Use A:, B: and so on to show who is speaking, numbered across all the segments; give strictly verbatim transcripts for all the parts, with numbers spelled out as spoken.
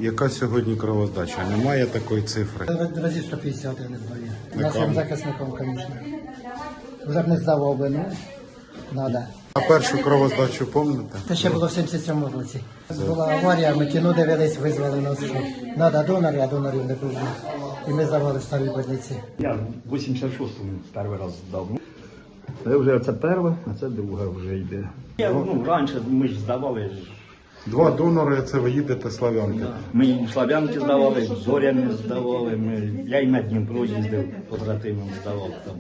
A: Яка сьогодні кровоздача? Немає такої цифри.
B: Разів сто п'ятдесят я не здаю.
A: На
B: Нашим
A: кому?
B: захисникам, звісно. Вже б не здавав би, ну, треба.
A: А першу кровоздачу пам'ятаєте?
B: Це ще було в сімдесят сьомому році. Була аварія, ми кіно дивились, визвали нас, що треба донори, а донорів не було. І ми здавали в старій больниці.
C: Я в вісімдесят шостому перший раз здав. Це вже це перше, а це друге вже йде. Я, ну, раніше ми ж здавали.
A: Два донори, це ви їдете Слав'янки.
C: Ми і в Слав'янки здавали, в Зоряні здавали. Ми, я і на Дніпро їздив, побратимам здавав там.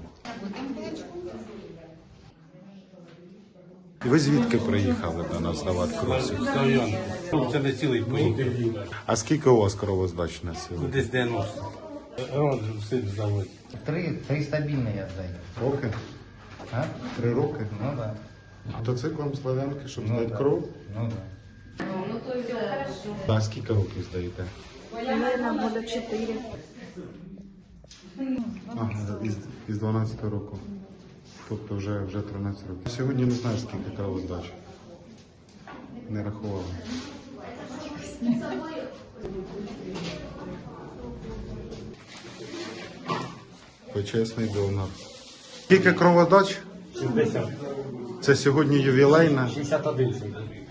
A: Ви звідки приїхали до нас здавати кров?
D: Слав'янки. Це не цілий поїхав.
A: А скільки у вас кровоздач на сьогодні?
D: Десь дев'яносто. Рон все здавати.
E: Три, три стабільні я здаю.
A: Роки?
E: А?
A: Три роки?
E: Ну да.
A: Мотоциклом Слав'янки, щоб
E: Ну,
A: здати
E: да.
A: кров?
E: Ну да.
A: А скільки років здаєте?
F: Наверное, года четыре.
A: Ага, із, із дванадцятого року. Тобто вже, вже тринадцять років. Сьогодні не знаєш, скільки кровоздач. Не рахувала. Почесний донор. Скільки кроводач?
D: шістдесят.
A: Це сьогодні ювілейна.
D: шістдесят один.